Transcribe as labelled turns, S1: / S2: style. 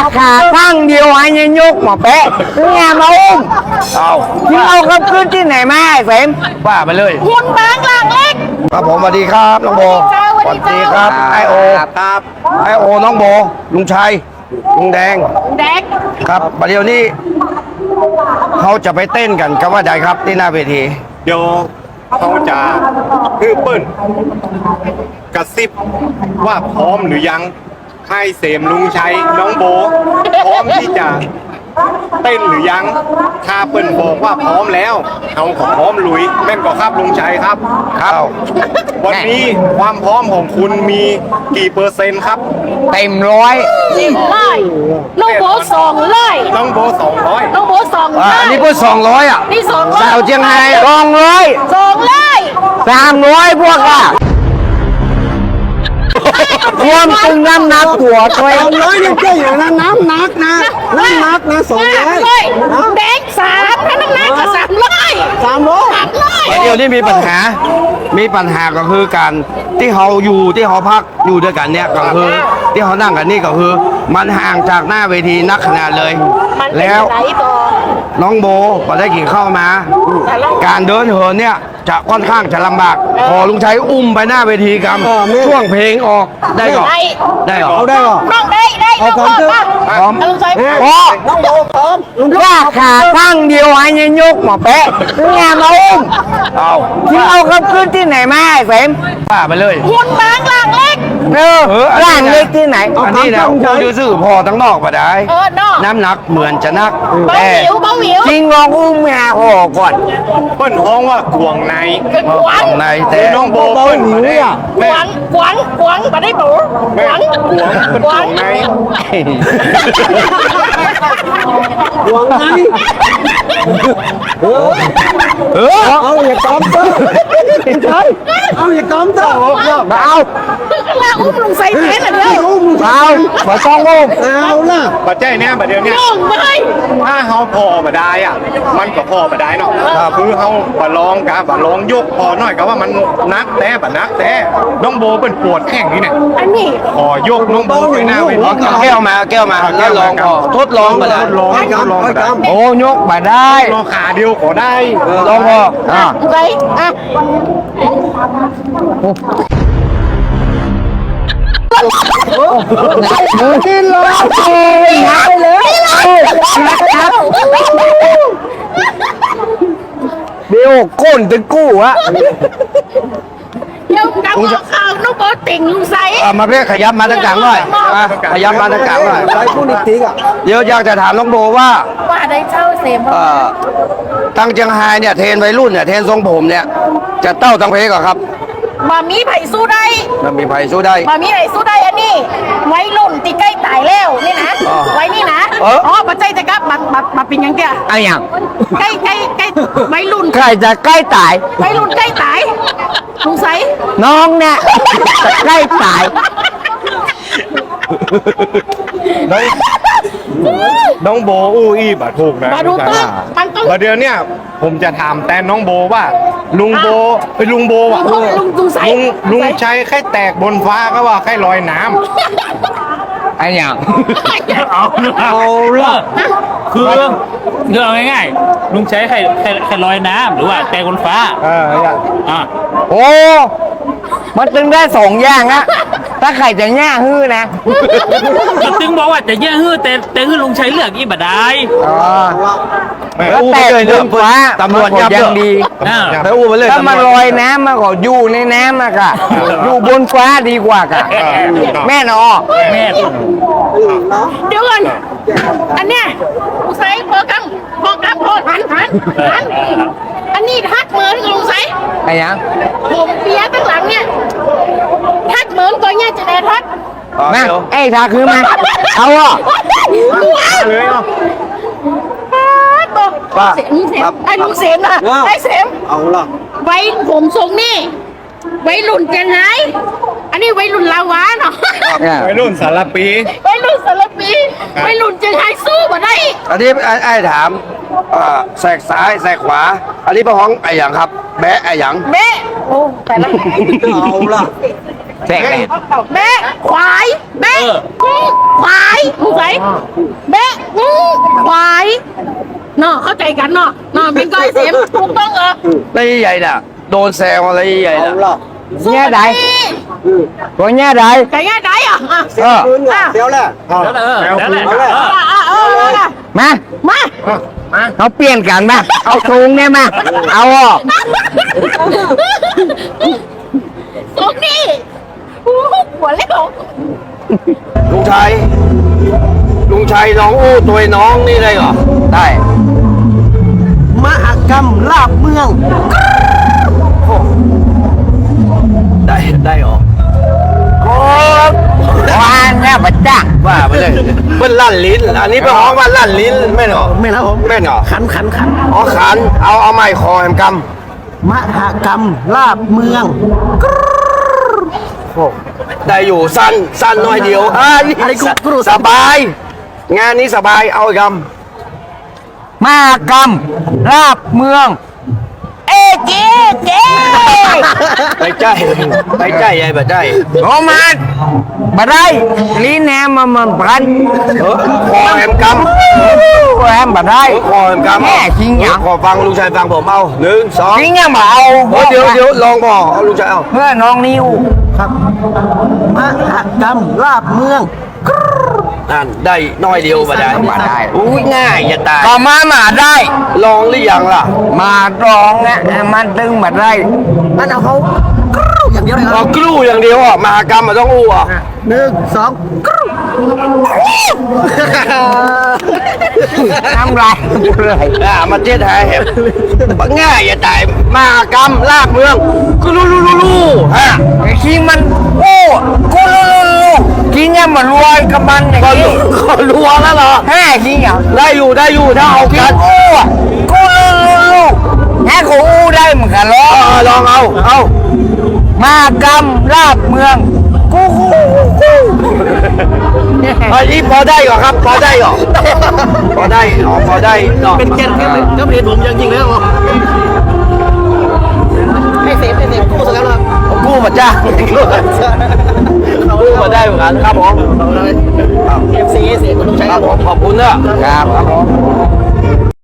S1: ขาข้างเดียวให้ยยกหมอแปะงานมาอุ้ม
S2: เอา
S1: ที่เอาเขาขึ้นที่ไหนมาไอ้เสม
S2: ว่าไปเลย
S3: หุ่นบางหลังเล็ก
S2: ครับผมสวัสดีครับน้องโบ
S3: สวัสดีครับ
S2: ไอโอครับไอโอน้องโบลุงชัยลุงแดง
S3: แดก
S2: ครับประเดี๋ยวนี้เขาจะไปเต้นกันกับว่าใดครับที่หน้าเวที
S4: เดี๋ยวเขาจะคือเปิ้ลกระซิบว่าพร้อมหรือยังให้เสมลุงชัยน้องโบพร้อมที่จะเต้นหรือยังถ้าเปิ้ลบอกว่าพร้อมแล้วเอาของพร้อมลุยแม่นก็ครับลุงชัยครับ
S2: ครับ
S4: วันนี้ความพร้อมของคุณมีกี่เปอร์เซ็นต์ครับ
S1: เต็มร้อย
S3: 10 น้องโบ200
S4: น้องโบ200
S3: น้องโบ200
S2: อันนี้เพิ่ง200อ่ะ
S3: นี่200
S2: สาวเจียงไฮ้
S1: 200
S3: 200
S1: 300พวกอะรวมตึงน้ำหนักหัวตัวเอง
S5: 200เนี่ยเจ๊อยู่นะน้ำหนักนะน้ำหนักนะ200
S3: แดก3ถ้าน้ำหนักก็300
S5: 300
S2: เดี๋ยวนี้มีปัญหาก็คือการที่เขาอยู่ที่เขาพักอยู่ด้วยกันเนี่ยก็คือที่เขานั่งกันนี่ก็คือ มันห่างจากหน้าเวทีนักขนาดเลย
S3: มันเป็น
S2: แล้ว
S3: ไหนบอ
S2: น้องโบพอได้กินข้าวมา การเดินเหินเนี่ยจะค่อนข้างจะลำบาก พอลุงชัยอุ้มไปหน้าเวทีกันช่วงเพลงออกได้ก่อนได้ก่อน
S5: เอาได้เหรอ
S3: น้องได้น้องพ่อป่ะ
S2: พร้อม
S3: ลุงชัย
S1: โอ้
S5: น้องโบพร้อมลุง
S1: ว่าขาข้างเดียวให้ยยกหมอแปะงานมาอุ้ม
S2: เอา
S1: ที่เอาเขาขึ้นที่ไหนมาไอ้เสม
S2: ว่าไปเลย
S3: หุ่นบางหลังเล็ก
S1: ร่างเล็กที่ไหน
S2: อันนี้นะดูซื่อพอทั้งนอกมาได้
S3: น้อง
S2: น้ำหนักเหมือนจะนัก
S3: เบา
S2: แต่
S3: หวิวเบาหวิว
S1: จริงลองอุ้มงาห่อก่อน
S4: เปิ้ลฮ้องว่าขวงใน
S3: เป็นขวาง
S2: ของในแต่
S4: น้องโบเปิ้ลมาได้
S3: ข
S4: แม่
S3: วางมาได้ปูขวาง
S4: ขวงเป็นขวงใน
S5: หวงไง เอาอย่ากำเตอร์เอาอย่ากำเตอร์
S1: มาเอา
S3: ลาอุ้มลุงใส่แทนเดียว
S5: อุ้ม
S1: เอาขอต้องอุ้ม
S5: เอาล่ะ
S4: ปัจจัยเนี่ยประเดี๋ยวเนี้
S3: น้องไม่
S4: ถ้าเฮาพอมาได้อ่ะ มันก็พอมาได้เนาะคือเฮาบะลองกะบะลองยกพอหน่อยก็ว่ามันนักแต่บะนักแต่น้องโบเป็นปวดแข้งนี่เนี่ย
S3: อันนี้
S4: ขอยกน้องโบไปหน้าเวที
S2: เอาแก้วมาแล้วลองพอทดลองมาแล้ว
S5: ให้กำให้กำ
S1: โอ้ยกมาได้
S4: รอขาเดียวขอได้
S2: ลองพอ
S3: ใส่อ่ะ
S1: กินเลยหายเลยเดี๋ยวก้นตึงกู้อะ
S3: เดี๋ยวกำเอาข่าวน้องโบติ่งลุงใส่
S2: มาเพื่อขยับมาทางกลางหน่อยขยับมาทางกลางหน่อย
S5: ใส่ผู้นิติกอ่ะ
S2: เดี๋ยวอยากจะถามน้องโบว่า
S3: ว่าได้เช่าเสม
S2: ตั้งเจียงไฮ้เนี่ยเทรนวัยรุ่นเนี่ยเทรนทรงผมเนี่ยจะเต้าตั้งเพลงก่อนครับ
S3: มามีไผ่สู้ได้
S2: มันมีไผ่สู้ได้
S3: มามีไผ่สู้ได้อันนี้ ไว้รุ่นตีใกล้ตายแล้วนี่นะ ไว้นี่นะ อ๋อปัจจัยจะกลับมาเป็นยังเตี้ย
S1: เอาอย่าง
S3: ใกล้ไว้รุ่น
S1: ใครจะใกล้ตาย
S3: ไว้รุ่นใกล้ตายลุงใส่
S1: น้องเนี่ยจะใกล้ตาย
S4: น้องโบอู้อี้บะถูกนะ
S3: มาดูต้นมันต้อง
S4: ประเดี๋ยวเนี่ยผมจะถามแต่น้องโบว่าลุงโบลุงโบว่ะ
S3: ลุงใส่
S4: ลุงใช้แค่แตกบนฟ้าก็ว่าแค่ลอยน้ำ
S1: ไอ้อย่าง
S5: เอาล่ะ
S6: คือเอาง่ายๆลุงใช้แค่ลอยน้ำหรือว่าแต่บนฟ้าอ่า
S1: โอ้ มันตึงได้สองอย่างอะถ้าใครจะแง่ฮื้อนะ
S6: มันถึงบอกว่าจะแย่ฮื้อแต่ฮื้อลุงใช้เลือกอีบัดได้
S1: อ๋อ แล้ว
S2: อู้
S1: แต่
S2: ไปเลย
S1: บ
S2: เรื่อน ง
S1: ฟ้า
S2: ตำรวจ
S1: มัน
S2: ยับ
S1: ก็ยังดี
S6: อ่า
S2: ไปอู้ไปเลย
S1: ถ้ามัน
S2: ตำร
S1: ล
S2: ว
S1: อ
S2: จ
S1: ยน้ำมันก็อยู่ในน้ำอะกะอยู่บนฟ้าดีกว่ากะแม่นอ
S6: แม่
S3: เดี๋ยวก่อนอันเนี้ยลุงใส่พอกำโทษหันอันนี้ทักเหมือนกับลุงใส่
S1: ไอ้ยัง
S3: ผมเปียตั้งหลังเนี่ยทักเหมือนตัวเนี้ยจะได้ทัก
S1: มาไอ้ทาคือมา เอาอ่ะ
S4: เลยเนาะ
S3: เสียมไอ้ลุงเสียมนะไอ้เสียม
S5: เอาล่ะ
S3: ไว้ผมทรงนี่ไว้รุ่นเจียงไฮ้อันนี้ไว้รุ่นลาวาเนาะ
S4: วัยรุ่นสารปี
S3: ไว้รุ่นสารปีไว้รุ่นเจียงไฮ้สู้มาได้
S2: อันนี้ไอ้ถามแสกซ้ายแสกขวา อันนี้เป็นของไอ้หยังครับ แบะไอ้หยัง
S3: แม่โอ้แต่ละ
S5: เอาล่ะ
S1: แทรกแดด
S3: แม่ควายแม่ควายลุงใส่แบะควายเนาะเข้าใจกันเนาะเป็นก้อยเสียมถูกต้องเหรอ
S2: แล้วใหญ่น่ะโดนแซวอะไรใหญ่น่ะ
S1: แง่ใดตัวแง่ใด
S3: ไก่ง่ายได้อ่ะ
S5: เดี๋ยวแหละ
S6: แล้วแหละ
S1: มา
S3: มา
S1: เขาเปลี่ยนกันมาเอาสูงเนี่ยมาเอาออก
S3: ตรงนี้หัวเล็ก
S2: ลุงชัยน้องอู้ตัวน้องนี่ได้เหรอได้
S5: มหกรรมลาบเมือง
S2: ได้เหรอ
S1: โอ้วานเนี่ยบัดจ้า
S2: ว่าไปเลยเป็นลั่นลิ้นอันนี้เป็นห้องว่าลั่นลิ้นไม่เหรอ
S5: ไม่นะผม
S2: ไม่เหรอ
S5: ขัน
S2: อ๋อขันเอาไม้คอแหมก
S5: มหกรรมลาบเมือง
S2: ำได้อยู่สั้นน้อยเดียวนี่
S5: อะไรกูรู้
S2: สบาย งานนี้สบายเอาอีกค
S1: มากรรมลาบเมือง เอเจ๊
S2: ำไปใจใหญ่แบบใจ
S1: โอมันบัดได้ลีแหนมมันพัน
S2: คอแหมกำ
S1: แหมบัดได้
S2: คอแหมกำ
S1: แม่จริงยัง
S2: ขอฟังลุงชัยฟังผมเอา1 2
S1: จริงยังมาเอา
S2: เดี๋ยวลองบอกเอาลุงชัยเอา
S1: เพื่อน้องนิว
S5: ครับมหกรรมลาบเมือง
S2: นั่นได้น้อยเดียวมาได้
S1: มาได้
S2: อุ้ยง่ายอย่าตาย
S1: ก็มาได้
S2: ลองหรือยังล่ะ
S1: มาร้องนะมันตึงมาได้
S5: นั่นเอาเขากรูอย่างเดียวเลยค
S2: เรา
S5: รับ
S2: กลู่อย่างเดียวอ่ะมหากรรมมันต้องอู้อ่ะ
S5: 1 2กรู
S1: ทำไรเลย
S2: มาเจ๊ไทยแหบง่ายอย่าตายมหากรรมลากเมืองกลู่ฮะ
S1: ไอ้ขี้มันโอ้กูรู้กินยังมันรวยกับมันอย่างนี้
S2: ก็รัวแล้วเหรอ
S1: แห่ขี้อย่าง
S2: ได้อยู่ถ้าเอา
S1: กิ
S2: กัน น
S1: โอ้กูรู้แห่กูอู้ได้เหมือนกันหรอ
S2: ลองเอา
S1: มากรรมลาบเมืองกู
S2: อันนี้พอได้ก่อนครับพอได้ก่อนพอได้ก่อน
S5: เป็นเกียรติก็เป็นผมจริงๆเลยครับให้เซฟกู้สักแล้วครับ
S2: กู้มาจ้ากู้มาได้เหมือนกันครับผม
S5: เอฟซีเสียคุณต้องใช้
S2: ครับผมขอบคุณเนอะ
S1: ครับ